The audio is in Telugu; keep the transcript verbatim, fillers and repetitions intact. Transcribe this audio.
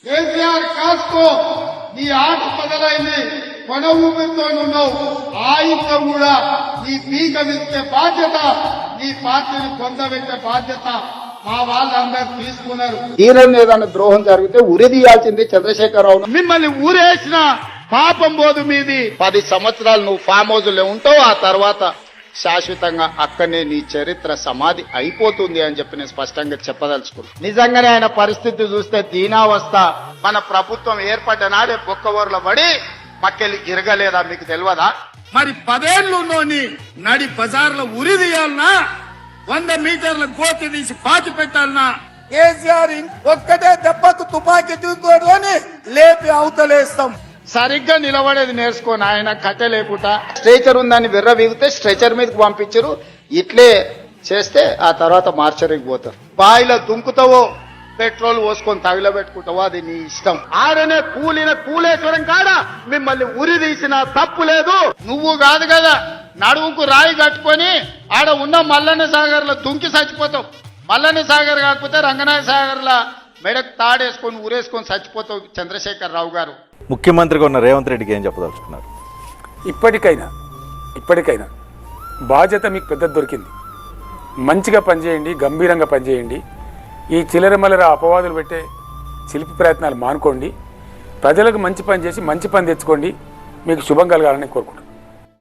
కేసీఆర్ కాస్కో నీ ఆట మొదలైంది, కొన ఊపిరితో ఉన్నావు. ఆయుధం కూడా నీ పీక విచ్చే బాధ్యత, నీ పార్టీని పొందబెట్టే బాధ్యత మా వాళ్ళందరూ తీసుకున్నారు. ఈయన ఏదైనా ద్రోహం జరిగితే ఉరి తీయాల్సింది చంద్రశేఖరరావు. మిమ్మల్ని ఊరేసిన పాపం పోదు మీది. పది సంవత్సరాలు నువ్వు ఫామ్ హౌస్ లో ఉంటావు, ఆ తర్వాత శాశ్వతంగా అక్కడనే నీ చరిత్ర సమాధి అయిపోతుంది అని చెప్పి నేను స్పష్టంగా చెప్పదలుచుకున్నాను. నిజంగానే ఆయన పరిస్థితి చూస్తే దీనావస్థ. మన ప్రభుత్వం ఏర్పడ్డ నాడే బొక్కవోర్ల పడి మక్కెళ్ళి ఇరగలేదా మీకు తెలియదా? మరి పదేళ్లు నోని నడి బజార్లో ఉరి తీయాలనా, వంద మీటర్ల గోతి తీసి పాతి పెట్టాలనా? కేసీఆర్ ఒక్కటే దెబ్బకు తుపాకీ చూసుకొని లేపి అవతలేస్తాం. సరిగ్గా నిలబడేది నేర్చుకోని ఆయన కట్టె లేపుట. స్ట్రెచర్ ఉందని విర్ర వీగితే స్ట్రెచర్ మీదకి పంపించరు. ఇట్లే చేస్తే ఆ తర్వాత మార్చరికి పోతారు. బాయిలో దుంకుతావో పెట్రోల్ పోసుకొని తగిలబెట్టుకుంటావో అది నీ ఇష్టం. ఆడనే కూలిన కూలేశ్వరం కాడ మిమ్మల్ని ఉరి తీసిన తప్పు లేదు. నువ్వు కాదు కదా నడువుకు రాయి కట్టుకొని ఆడ ఉన్న మల్లన్న సాగర్ లో దుంకి చచ్చిపోతావు. మల్లన్న సాగర్ కాకపోతే రంగనాయ సాగర్ లా మెడకు తాడేసుకొని ఊరేసుకొని చచ్చిపోతావు చంద్రశేఖర్ రావు గారు. ముఖ్యమంత్రిగా ఉన్న రేవంత్ రెడ్డికి ఏం చెప్పదలుచుకున్నారు? ఇప్పటికైనా ఇప్పటికైనా బాధ్యత మీకు పెద్ద దొరికింది. మంచిగా పనిచేయండి, గంభీరంగా పనిచేయండి. ఈ చిల్లరమల్లర అపవాదులు పెట్టే శిల్పి ప్రయత్నాలు మానుకోండి. ప్రజలకు మంచి పని చేసి మంచి పని తెచ్చుకోండి. మీకు శుభం కలగాలని కోరుకుంటున్నాను.